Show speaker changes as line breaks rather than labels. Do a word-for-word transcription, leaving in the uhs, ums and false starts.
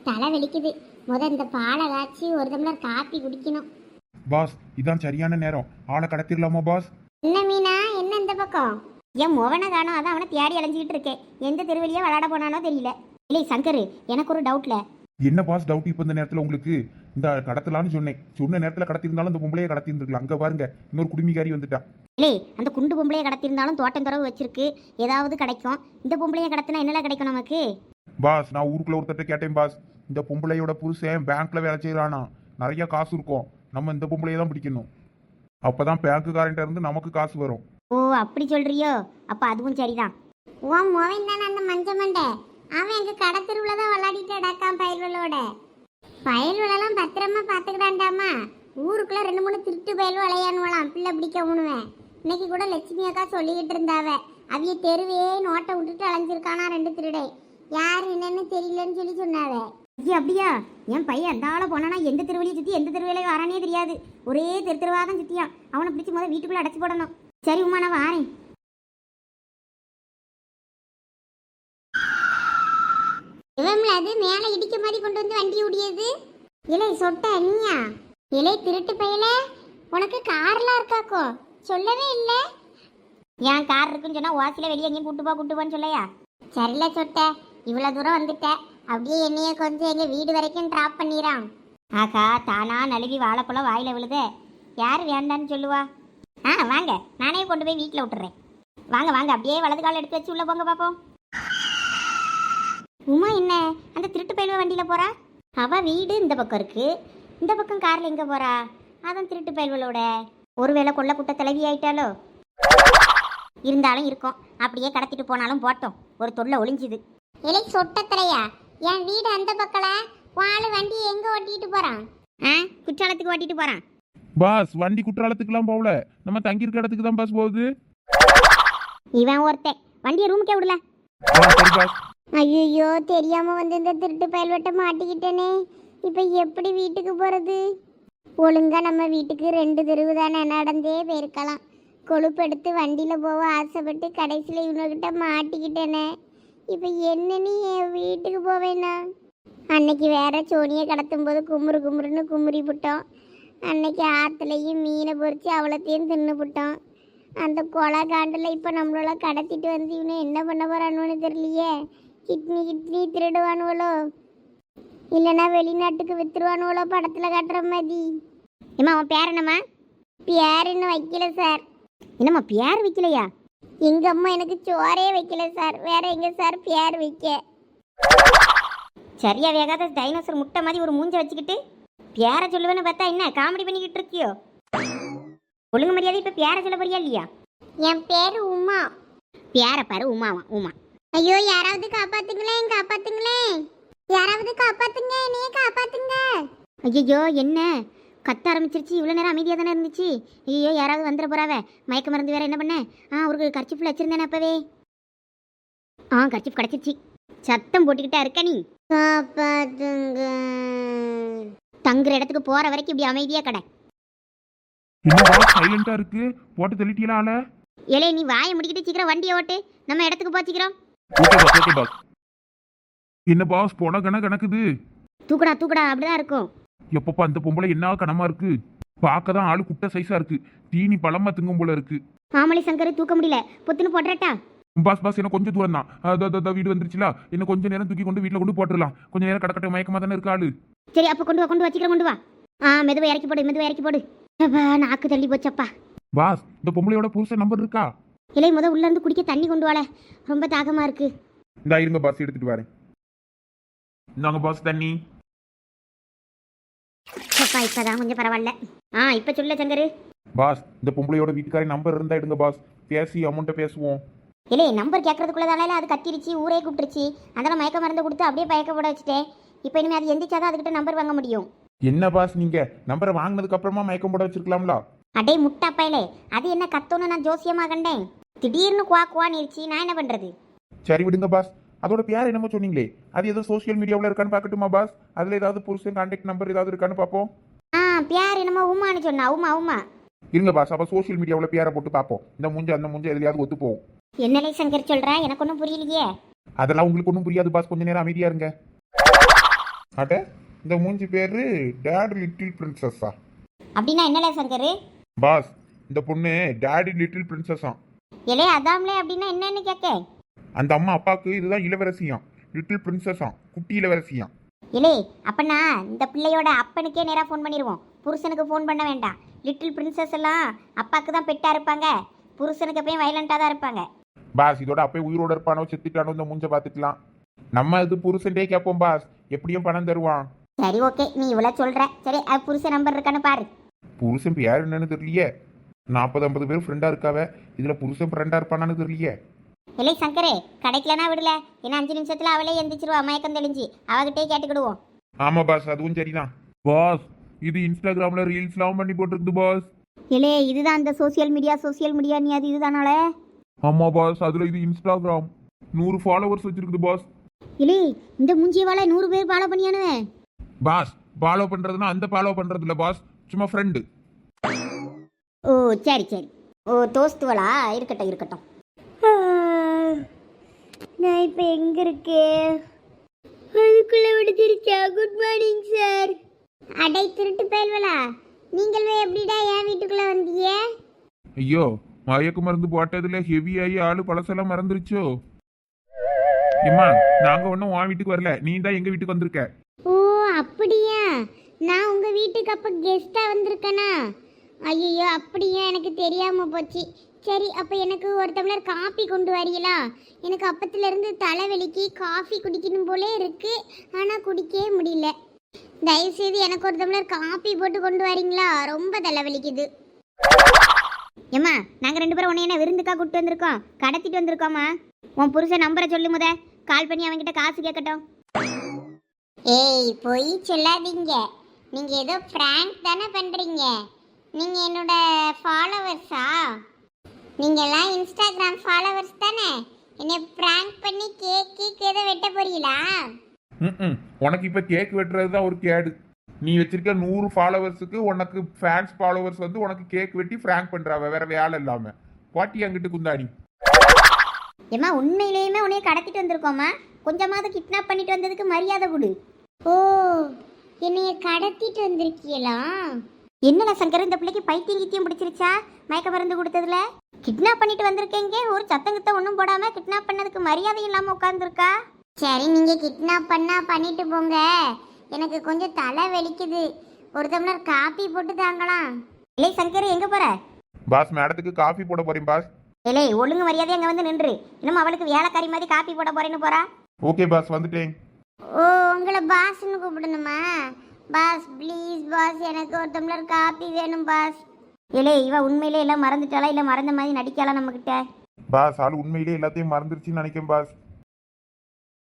தலை வலிக்குது. முத இந்த பாலை காய்ச்சி ஒரு டம்ளர் காப்பி குடிக்கணும்.
பாஸ் இதான் சரியான நேரம், ஆளை கடத்திடலாமா பாஸ்?
என்ன மீனா, என்ன இந்த பக்கம்? என் மோவனை காணோம், அதான் அவனை தேடி அலைஞ்சிக்கிட்டு இருக்கேன். எந்த தெருவழியா விளையாட போனானோ தெரியல. இல்லை சங்கர், எனக்கு ஒரு டவுட்ல.
என்ன பாஸ் டவுட் இப்போ இந்த நேரத்தில் உங்களுக்கு? இந்த கடத்தலான்னு சொன்னேன், சொன்ன நேரத்தில் கடத்திருந்தாலும் இந்த பொம்பளையை கடத்திருந்துருக்கலாம். அங்கே பாருங்க, இன்னொரு குடுமிக்காரி வந்துட்டா.
இல்லை, அந்த குண்டு பொம்பளையை கடத்திருந்தாலும் தோட்டம் துறவு வச்சிருக்கு, ஏதாவது கிடைக்கும். இந்த பொம்பளையை கடத்தினா என்னெல்லாம் கிடைக்கும் நமக்கு?
பாஸ் நான் ஊருக்குள்ள ஒருத்தட்ட கேட்டேன் பாஸ், இந்த பொம்பளையோட புருஷன் பேங்க்ல வேலை செய்யறானா, நிறைய காசு இருக்கும், நம்ம இந்த பொம்பளையை தான் பிடிக்கணும், அப்பதான் பேங்க்குக்காரன்ட்ட இருந்து நமக்கு காசு வரும்.
ஓ அப்படி சொல்றியோ? அப்ப அதுவும் சரிதான். ஓ மோவன் தானே அந்த மஞ்ச மண்டை, அவன் எங்க கடை தெருவுல தான் விளையாடிட்டு அடக்கான் பயல்களோட. பயல்களெல்லாம் பத்திரமா பாத்துக்கிட்டாண்டாமா. ஊருக்குள்ள ரெண்டு மூணு திருட்டு பயல் விளையாடுவாளாம், பிள்ளை பிடிக்க உணுவேன். இன்னைக்கு கூட லட்சுமி அக்கா சொல்லிக்கிட்டு இருந்தாவ, அவிய தெருவே நோட்டை விட்டுட்டு அலைஞ்சிருக்கானா ரெண்டு திருடை, யாரு என்னன்னு தெரியலன்னு சொல்லி சொன்னாவ. ஐயா அப்படியா? என் பையன் அந்த ஆளை போனானா எந்த தெருவலையும் சுற்றி எந்த தெருவிலையும் வரானே தெரியாது, ஒரே தெரு தெருவாதான் சுற்றியான். அவனை பிடிச்சி முதல்ல வீட்டுக்குள்ளே அடைச்சி போடணும். சரி உமா நான் வாரேன். இவம்ல அது மேலே இடிக்க மாதிரி கொண்டு வந்து வண்டி ஓடியது. இலை சொட்ட நீயா? இலை திருட்டு பையல, உனக்கு கார்லாம் இருக்காக்கோ, சொல்லவே இல்லை. ஏன் கார் இருக்குன்னு சொன்னா வாசில வெளியே எங்கேயும் கூட்டு போ கூட்டு போன்னு சொல்லையா? சரில சொட்ட, இவ்வளோ தூரம் வந்துட்ட, அப்படியே என்னைய கொஞ்சம் எங்கள் வீடு வரைக்கும் ட்ராப் பண்ணிடான். ஆக்கா தானா நழுவி வாழைப்பழம் வாயில் விழுத, யார் வேண்டான்னு சொல்லுவா? ஆ வாங்க, நானே கொண்டு போய் வீட்டில் விட்டுறேன். வாங்க வாங்க, அப்படியே வலது காலம் எடுத்து வச்சு உள்ளே போங்க பார்ப்போம். உமா என்ன அந்த திருட்டு பயில்வ வண்டியில் போகிறா? அவள் வீடு இந்த பக்கம் இருக்குது, இந்த பக்கம் காரில் எங்கே போகிறா? அதான் திருட்டு பயில்வளோட. ஒருவேளை கொள்ள குட்ட தலைவி ஆயிட்டாலோ? இருந்தாலும் இருக்கும், அப்படியே கடத்திட்டு போனாலும் போட்டோம், ஒரு தொல்லை ஒளிஞ்சுது. இலை சொட்டத்தலையா, என் வீடு அந்த பக்கல, வாழை வண்டி எங்க ஓட்டிட்டு போறான்? ஆ குற்றாலத்துக்கு ஓட்டிட்டு போறான்.
பாஸ் வண்டி குற்றாலத்துக்குலாம் போகல, நம்ம தங்கி இருக்க இடத்துக்கு தான் பாஸ் போகுது.
இவன் ஒருத்தன் வண்டியை ரூமுக்கே விடல. ஐயோ தெரியாம வந்து இந்த திருட்டு பயல்வட்ட மாட்டிக்கிட்டேனே, இப்ப எப்படி வீட்டுக்கு போறது? ஒழுங்கா நம்ம வீட்டுக்கு ரெண்டு தெருவு தானே, நடந்தே போயிருக்கலாம். கொழுப்பெடுத்து வண்டியில் போக ஆசைப்பட்டு கடைசியில் இவனுக்கிட்ட மாட்டிக்கிட்டேனே, இப்போ என்னன்னு என் வீட்டுக்கு போவேண்ணா? அன்னைக்கு வேற சோனியை கடத்தும் போது குமுறு குமுறுன்னு குமுறி விட்டோம். அன்னைக்கு ஆற்றுலையும் மீனை பொறிச்சு அவ்வளோத்தையும் தின்னு விட்டோம். அந்த கொலை காண்டில் இப்போ நம்மளால கடத்திட்டு வந்து இவனை என்ன பண்ண போகிறான்னு தெரியலையே. கிட்னி கிட்னி திருடுவானுவளோ, இல்லைன்னா வெளிநாட்டுக்கு வித்துருவானுவளோ படத்தில் கட்டுற மாதிரி. ஏம்மா அவன் பேர் என்னம்மா? பேர் இன்னும் வைக்கல சார். என்னம்மா பேர் வைக்கலையா? எங்க அம்மா எனக்கு சோறே வைக்கல சார், வேற எங்க சார் பேர் வைக்க? சரியா வேகாத டைனோசர் முட்டை மாதிரி ஒரு மூஞ்ச வச்சுக்கிட்டு பேரை சொல்லுவேன்னு பார்த்தா என்ன காமெடி பண்ணிக்கிட்டு இருக்கியோ? ஒழுங்கு மரியாதை இப்ப பேரை சொல்ல போறியா இல்லையா? என் பேரு உமா. பேரை பாரு உமாவா? உமா. ஐயோ யாராவது காப்பாத்துங்களேன், காப்பாத்துங்களேன், யாராவது காப்பாத்துங்க, என்னைய காப்பாத்துங்க. ஐயோ என்ன கத்த ஆரம்பிச்சிருச்சு, இவ்வளோ நேரம் அமைதியாக தானே இருந்துச்சு. ஐயோ யாராவது வந்துட போறாவ, மயக்க மருந்து வேற என்ன பண்ண? ஆ ஒரு கர்ச்சிஃபில் வச்சிருந்தேனே அப்பவே. ஆ கர்ச்சிஃப் கிடச்சிருச்சு. சத்தம் போட்டுக்கிட்டா இருக்க நீ. காப்பாத்துங்க. தங்குற இடத்துக்கு போற வரைக்கும் இப்படி அமைதியா கடை.
சைலண்டா இருக்கு, போட்டு தள்ளிட்டீங்களா ஆள?
ஏலே நீ வாயை முடிக்கிட்டு சீக்கிரம் வண்டியை ஓட்டு, நம்ம இடத்துக்கு போச்சிக்கிறோம்.
என்ன பாஸ் போன கண கணக்குது?
தூக்கடா தூக்கடா, அப்படிதான் இருக்கும்.
எப்பப்பா அந்த பொம்பளை என்ன கனமா இருக்கு, பார்க்கதான் ஆளு குட்டை சைஸா இருக்கு, தீனி பழமா திங்கும் போல இருக்கு.
ஆமலி சங்கர் தூக்க முடியல, பொத்துன்னு போட்டுறட்டா?
பாஸ் பாஸ் என்ன கொஞ்சம் தூரம் தான், வீடு வந்துருச்சுல, இன்னும் கொஞ்சம் நேரம் தூக்கி கொண்டு வீட்டுல கொண்டு போட்டுடலாம். கொஞ்சம் நேரம் கடக்கட்ட மயக்கமா தானே இருக்கு ஆளு.
சரி அப்ப கொண்டு வா, கொண்டு வச்சிக்கிறேன், கொண்டு வா. ஆ மெதுவா இறக்கி போடு, மெதுவா இறக்கி போடு. நாக்கு தள்ளி போச்சப்பா.
பாஸ் இந்த பொம்பளையோட புருஷன் நம்பர் இருக்கா?
இல்லை முத உள்ள இருந்து குடிக்க தண்ணி கொண்டு வாழ, ரொம்ப தாகமா இருக்கு.
இந்த இருங்க பாஸ் எடுத்துட்டு வரேன். இந்தாங்க பாஸ் தண்ணி.
அப்பா இப்பதான் கொஞ்சம் பரவாயில்ல. ஆ இப்ப சொல்ல சங்கரு.
பாஸ் இந்த பொம்பளையோட வீட்டுக்காரி நம்பர் இருந்தா எடுங்க பாஸ், பேசி அமௌண்ட்டை பேசுவோம்.
இல்லை நம்பர் கேட்கறதுக்குள்ளதால அது கத்திருச்சு, ஊரே கூப்பிட்டுருச்சு. அதெல்லாம் மயக்க மருந்து கொடுத்து அப்படியே பயக்க போட வச்சுட்டேன். இப்போ இனிமேல் அது எந்திரிச்சாதான் அதுக்கிட்ட நம்பர் வாங்க முடியும்.
என்ன பாஸ் நீங்க நம்பரை வாங்கினதுக்கு அப்புறமா மயக்கம் போட வச்சிருக்கலாம்ல?
அடே முட்டாப்பையிலே, அது என்ன கத்தோன்னு நான் ஜோசியமா கண்டேன், திடீர்னு குவா குவான்னு இருச்சு, நான் என்ன பண்றது?
சரி விடுங்க பாஸ். அதோட பேர் என்னமோ சொன்னீங்களே, அது ஏதோ சோசியல் மீடியாவில் இருக்கான்னு பார்க்கட்டுமா பாஸ்? அதில் ஏதாவது புருஷன் கான்டாக்ட் நம்பர் ஏதாவது இருக்கான்னு பார்ப்போம்.
ஆ பேர் என்னமோ உமான்னு சொன்னா. உமா உமா
இருங்க பாஸ், அப்போ சோசியல் மீடியாவில் பேரை போட்டு பார்ப்போம். இந்த மூஞ்ச அந்த மூஞ்ச எதுலையாவது ஒத்து போகும்.
என்னலே சங்கர் சொல்ற, எனக்கு ஒன்றும் புரியலையே.
அதெல்லாம் உங்களுக்கு ஒன்றும் புரியாது பாஸ், கொஞ்ச நேரம் அமைதியா இருங்க. அட இந்த மூஞ்சி பேரு டேட் லிட்டில் பிரின்சஸா?
அப்படின்னா என்னலே சங்கரு?
பாஸ் இந்த பொண்ணு டேடி லிட்டில் பிரின்சஸா.
எலே அதாம்லே அப்படின்னா என்னன்னு கேட்க.
அந்த அம்மா அப்பாவுக்கு இதுதான் இளவரசியாம், லிட்டில் பிரின்சஸா, குட்டி இளவரசியாம்.
இலே அப்பனா இந்த பிள்ளையோட அப்பனுக்கே நேராக ஃபோன் பண்ணிடுவோம், புருஷனுக்கு ஃபோன் பண்ண வேண்டாம். லிட்டில் பிரின்சஸ் எல்லாம் அப்பாவுக்கு தான் பெட்டாக இருப்பாங்க, புருஷனுக்கு எப்பயும் வயலண்ட்டாக தான் இருப்பாங்க.
பாஸ் இதோட அப்பயே உயிரோட இருப்பானோ செத்துட்டானோ இந்த மூஞ்ச பார்த்துக்கலாம். நம்ம இது புருஷன்டே கேட்போம் பாஸ், எப்படியும் பணம் தருவான்.
சரி ஓகே, நீ இவ்வளோ சொல்கிற. சரி அது புருஷன் நம்பர் இருக்கான்னு பாரு.
புருஷன் பேர் என்னன்னு தெரியலையே. நாற்பது ஐம்பது பேர் ஃப்ரெண்டாக இருக்காவ, இதில் புருஷன் ஃப்ரெண்டாக இருப்பானான்னு தெரியலையே.
இல்லை சங்கரே, கிடைக்கலனா விடல. ஏன்னா அஞ்சு நிமிஷத்தில் அவளே எந்திரிச்சிருவா, மயக்கம் தெளிஞ்சு. அவகிட்டே கேட்டுக்கிடுவோம்.
ஆமாம் பாஸ் அதுவும் சரிதான். பாஸ் இது இன்ஸ்டாகிராமில் ரீல்ஸ்லாம் பண்ணி போட்டிருக்குது பாஸ்.
இலே இதுதான் அந்த சோசியல் மீடியா, சோசியல் மீடியா நீ அது இதுதானால.
ஆமாம் பாஸ் அதில் இது இன்ஸ்டாகிராம் நூறு ஃபாலோவர்ஸ் வச்சிருக்குது பாஸ்.
இலே இந்த மூஞ்சியவால நூறு பேர் ஃபாலோ பண்ணியானுவேன்.
பாஸ் ஃபாலோ பண்ணுறதுனா அந்த ஃபாலோ பண்ணுறது இல்லை பாஸ், சும்மா ஃப்ரெண்டு.
ஓ சரி சரி, ஓ தோஸ்துவலா, இருக்கட்டும் இருக்கட்டும். நான் இப்போ எங்கே இருக்கேன்? அதுக்குள்ளே விடுதிருச்சா? Good morning sir. அடை திருட்டு பயல்வலா, நீங்களே எப்படிடா என் வீட்டுக்குள்ளே வந்தீங்க?
ஐயோ மயக்க மருந்து போட்டதுல ஹெவியாகி ஆளு பழசெல்லாம் மறந்துருச்சோ. ஏம்மா நாங்கள் ஒன்றும் உன் வீட்டுக்கு வரல, நீ தான் எங்கள் வீட்டுக்கு வந்திருக்க.
ஓ அப்படியா, நான் உங்கள் வீட்டுக்கு அப்போ கெஸ்ட்டாக வந்திருக்கேனா? ஐயோ அப்படியா, எனக்கு தெரியாமல் போச்சு. சரி அப்போ எனக்கு ஒரு டம்ளர் காஃபி கொண்டு வரீங்களா? எனக்கு அப்பத்துலேருந்து தலைவலிக்கு காஃபி குடிக்கணும் போலே இருக்கு, ஆனால் குடிக்கவே முடியல. தயவுசெய்து எனக்கு ஒரு டம்ளர் காஃபி போட்டு கொண்டு வரீங்களா? ரொம்ப தலைவலிக்குது. ஏம்மா நாங்கள் ரெண்டு பேரும் உன்னை என்ன விருந்துக்கா கூப்பிட்டு வந்திருக்கோம், கடத்திட்டு வந்திருக்கோம்மா. உன் புருஷன் நம்பரை சொல்லு முத, கால் பண்ணி அவன்கிட்ட காசு கேட்கட்டும். ஏய் போய் சொல்லாதீங்க, நீங்கள் ஏதோ ஃப்ராங்க் தானே பண்ணுறீங்க. நீங்கள் என்னோட ஃபாலோவர்ஸா? நீங்கள்லாம் இன்ஸ்டாகிராம் ஃபாலோவர்ஸ் தானே? என்னை ப்ராங்க் பண்ணி கேக் கேக் ஏதோ வெட்ட போறீங்களா?
ம் உனக்கு இப்போ கேக் வெட்டுறது தான் ஒரு கேடு. நீ வச்சிருக்க நூறு ஃபாலோவர்ஸுக்கு உனக்கு ஃபேன்ஸ் ஃபாலோவர்ஸ் வந்து உனக்கு கேக் வெட்டி ஃப்ராங்க் பண்ணுறாவ, வேற வேலை இல்லாமல். பாட்டி அங்கிட்டு குந்தாடி.
ஏம்மா உண்மையிலேயுமே உன்னைய கடத்திட்டு வந்திருக்கோம்மா, கொஞ்சமாவது கிட்னாப் பண்ணிட்டு வந்ததுக்கு மரியாதை கொடு. ஓ என்னைய கடத்திட்டு வந்திருக்கீங்களா? என்னடா சங்கர், இந்த பிள்ளைக்கு பைத்தியம் கித்தியம் பிடிச்சிருச்சா மயக்க மருந்து கொடுத்ததுல? கிட்னாப் பண்ணிட்டு வந்திருக்கேங்க, ஒரு சத்தங்கத்தை ஒன்றும் போடாம கிட்னாப் பண்ணதுக்கு மரியாதை இல்லாமல் உட்காந்துருக்கா. சரி நீங்க கிட்னாப் பண்ணா பண்ணிட்டு போங்க, எனக்கு கொஞ்சம் தலை வலிக்குது, ஒரு டம்ளர் காபி போட்டு தாங்கலாம். இல்லை சங்கர் எங்க போற?
பாஸ் மேடத்துக்கு காஃபி போட போறேன் பாஸ்.
இல்லை ஒழுங்கு மரியாதை அங்கே வந்து நின்று, இன்னும் அவளுக்கு வேலைக்காரி மாதிரி காப்பி போட போறேன்னு போறா.
ஓகே பாஸ் வந்துட்டேன்.
ஓ உங்களை பாஸ்ன்னு கூப்பிடணுமா? பாஸ் ப்ளீஸ் பாஸ், எனக்கு ஒரு டம்ளர் காப்பி வேணும் பாஸ். இல்லை இவ உண்மையிலே எல்லாம் மறந்துட்டாளா இல்லை மறந்த மாதிரி நடிக்காளா நம்மக்கிட்ட?
பாஸ் ஆள் உண்மையிலே எல்லாத்தையும் மறந்துருச்சுன்னு நினைக்கிறேன் பாஸ்.